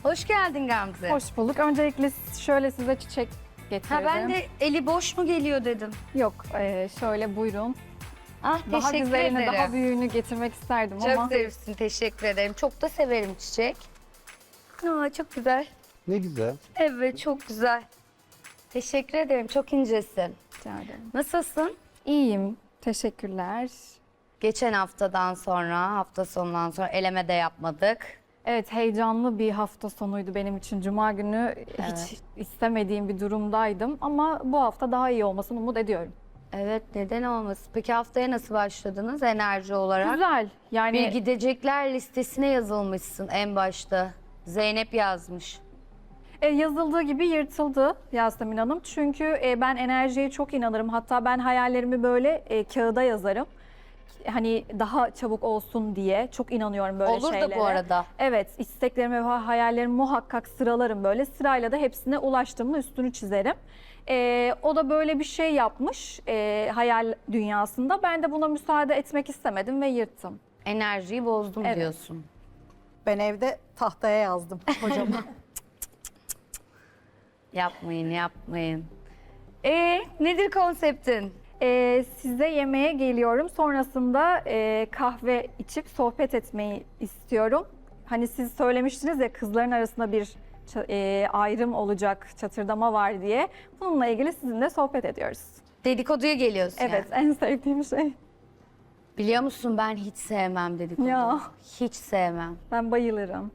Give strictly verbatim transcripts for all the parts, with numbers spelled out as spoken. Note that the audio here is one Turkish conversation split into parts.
Hoş geldin Gamze. Hoş bulduk. Öncelikle şöyle size çiçek getirdim. Ha ben de eli boş mu geliyor dedim. Yok, e, şöyle buyurun. Ah Daha teşekkür güzelini, ederim. daha büyüğünü getirmek isterdim Çok ama zarifsin, teşekkür ederim. Çok da severim çiçek. Aa, çok güzel. Ne güzel. Evet, çok güzel. Teşekkür ederim, çok incesin. rica ederim. Nasılsın? İyiyim. Teşekkürler. Geçen haftadan sonra, hafta sonundan sonra eleme de yapmadık. Evet, heyecanlı bir hafta sonuydu benim için. Cuma günü hiç istemediğim bir durumdaydım ama bu hafta daha iyi olmasını umut ediyorum. Evet, neden olmasın? Peki haftaya nasıl başladınız enerji olarak? Güzel. Yani Bir gidecekler listesine yazılmışsın en başta. Zeynep yazmış. E, yazıldığı gibi yırtıldı Yasemin Hanım. Çünkü e, ben enerjiye çok inanırım. Hatta ben hayallerimi böyle e, kağıda yazarım. Hani daha çabuk olsun diye çok inanıyorum böyle Olur şeylere. da bu arada. Evet, isteklerimi ve hayallerimi muhakkak sıralarım böyle. Sırayla da hepsine ulaştığımın üstünü çizerim. E, o da böyle bir şey yapmış e, hayal dünyasında. Ben de buna müsaade etmek istemedim ve yırttım. Enerjiyi bozdum Evet. diyorsun. Ben evde tahtaya yazdım hocama. Yapmayın, yapmayın. Ee, nedir konseptin? Ee, size yemeğe geliyorum. Sonrasında e, kahve içip sohbet etmeyi istiyorum. Hani siz söylemiştiniz ya kızların arasında bir ça- e, ayrım olacak, çatırdama var diye. Bununla ilgili sizinle sohbet ediyoruz. Dedikoduya geliyorsun Evet, yani. en sevdiğim şey. Biliyor musun ben hiç sevmem dedikodu. Ya. Hiç sevmem. Ben bayılırım.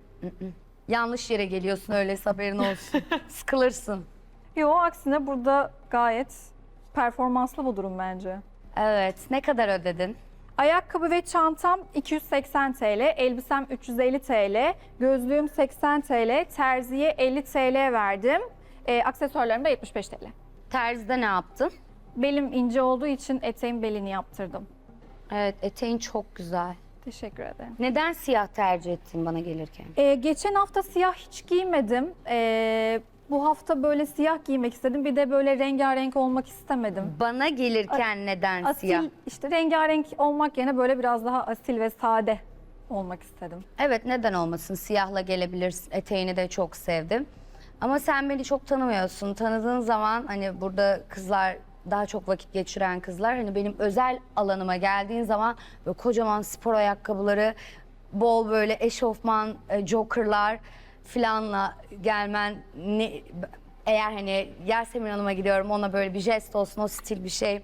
Yanlış yere geliyorsun öyleyse haberin olsun. Sıkılırsın. Yo, aksine burada gayet performanslı bu durum bence. Evet, ne kadar ödedin? Ayakkabı ve çantam iki yüz seksen TL, elbisem üç yüz elli TL, gözlüğüm seksen TL, terziye elli TL verdim. E, aksesuarlarım da yetmiş beş TL. Terzide ne yaptın? Belim ince olduğu için eteğin belini yaptırdım. Evet, eteğin çok güzel. Teşekkür ederim. Neden siyah tercih ettin bana gelirken? E, geçen hafta siyah hiç giymedim. E, bu hafta böyle siyah giymek istedim. Bir de böyle rengarenk olmak istemedim. Bana gelirken neden Asil, siyah? işte rengarenk olmak yerine böyle biraz daha asil ve sade olmak istedim. Evet, neden olmasın? Siyahla gelebilirsin. Eteğini de çok sevdim. Ama sen beni çok tanımıyorsun. Tanıdığın zaman hani burada kızlar daha çok vakit geçiren kızlar hani benim özel alanıma geldiğin zaman böyle kocaman spor ayakkabıları, bol böyle eşofman, e, jokerlar filanla gelmen ne, eğer hani Yasemin Hanım'a gidiyorum ona böyle bir jest olsun, o stil bir şey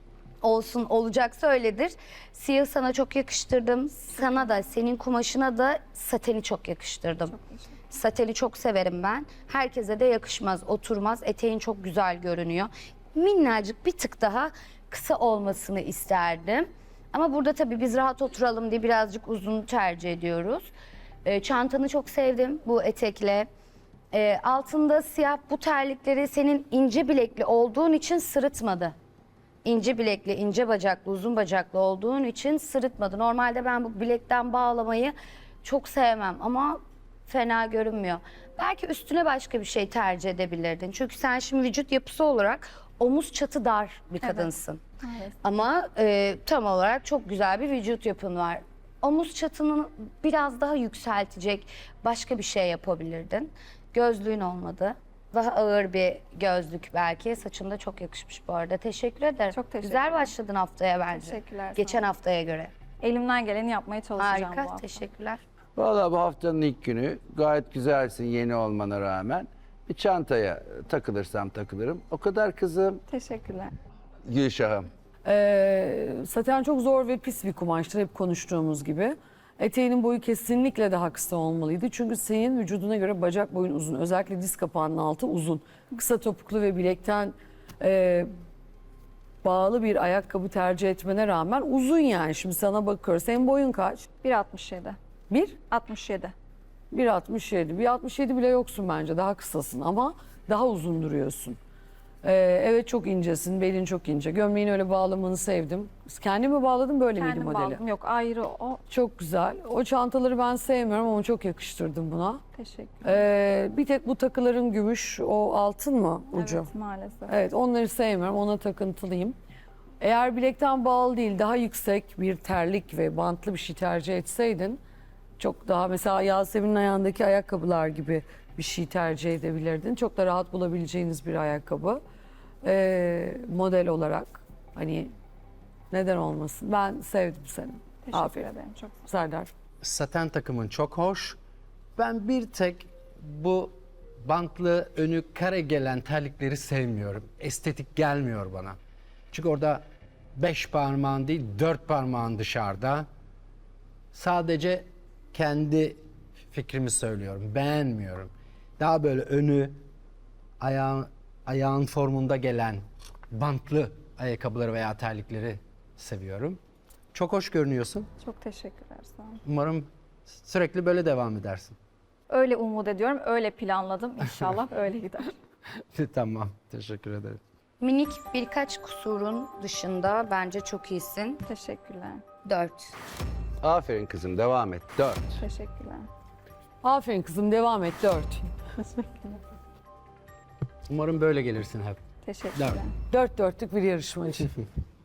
olsun olacaksa öyledir. Siyah sana çok yakıştırdım. Sana da senin kumaşına da sateni çok yakıştırdım. Sateni çok severim ben. Herkese de yakışmaz, oturmaz. Eteğin çok güzel görünüyor. Minnacık bir tık daha kısa olmasını isterdim. Ama burada tabii biz rahat oturalım diye birazcık uzun tercih ediyoruz. Ee, çantanı çok sevdim bu etekle. Ee, altında siyah bu terlikleri senin ince bilekli olduğun için sırıtmadı. İnce bilekli, ince bacaklı, uzun bacaklı olduğun için sırıtmadı. Normalde ben bu bilekten bağlamayı çok sevmem ama fena görünmüyor. Belki üstüne başka bir şey tercih edebilirdin. Çünkü sen şimdi vücut yapısı olarak omuz çatı dar bir kadınsın. Evet. Ama e, tam olarak çok güzel bir vücut yapın var. Omuz çatını biraz daha yükseltecek başka bir şey yapabilirdin. Gözlüğün olmadı. Daha ağır bir gözlük belki. Saçın da çok yakışmış bu arada. Teşekkür ederim. Çok teşekkür Güzel ederim. başladın haftaya bence. Teşekkürler, sağ Geçen olun. haftaya göre. Elimden geleni yapmaya çalışacağım bu Harika. hafta. Teşekkürler. Valla bu haftanın ilk günü gayet güzelsin yeni olmana rağmen. Bir çantaya takılırsam takılırım. O kadar kızım. Teşekkürler. Gülşah'ım. Ee, saten çok zor ve pis bir kumaştır hep konuştuğumuz gibi. Eteğinin boyu kesinlikle daha kısa olmalıydı. Çünkü senin vücuduna göre bacak boyun uzun. Özellikle diz kapağının altı uzun. Kısa topuklu ve bilekten e, bağlı bir ayakkabı tercih etmene rağmen uzun yani. Şimdi sana bakıyoruz. Senin boyun kaç? bir altmış yedi. Bir? altmış yedi. bir altmış yedi. bir altmış yedi bile yoksun bence. Daha kısasın ama daha uzun duruyorsun. Ee, evet çok incesin. Belin çok ince. Gömleğini öyle bağlamanı sevdim. Kendimi bağladım böyle miydi Kendim modeli? bağladım. Yok, ayrı o. Çok güzel. O çantaları ben sevmiyorum ama çok yakıştırdım buna. Teşekkür. Ee, bir tek bu takıların gümüş, o altın mı ucu? Evet, maalesef. Evet, onları sevmiyorum. Ona takıntılıyım. Eğer bilekten bağlı değil, daha yüksek bir terlik ve bantlı bir şey tercih etseydin Çok daha mesela Yasemin'in ayağındaki ayakkabılar gibi bir şey tercih edebilirdin. Çok da rahat bulabileceğiniz bir ayakkabı. Ee, model olarak hani neden olmasın? Ben sevdim seni. Teşekkür Aferin. ederim. Çok Serdar. Saten takımın çok hoş. Ben bir tek bu bantlı önü kare gelen terlikleri sevmiyorum. Estetik gelmiyor bana. Çünkü orada beş parmağın değil dört parmağın dışarıda. Sadece kendi fikrimi söylüyorum. Beğenmiyorum. Daha böyle önü ayağın, ayağın formunda gelen bantlı ayakkabıları veya terlikleri seviyorum. Çok hoş görünüyorsun. çok teşekkürler. Sağ olun. Umarım sürekli böyle devam edersin. Öyle umut ediyorum. Öyle planladım. İnşallah öyle gider. Tamam, teşekkür ederim. Minik birkaç kusurun dışında bence çok iyisin. Teşekkürler. Dört. Aferin kızım, devam et. Dört. Teşekkürler. Aferin kızım devam et dört. Teşekkürler. Umarım böyle gelirsin hep. Teşekkürler. Dört dörtlük bir yarışmacı.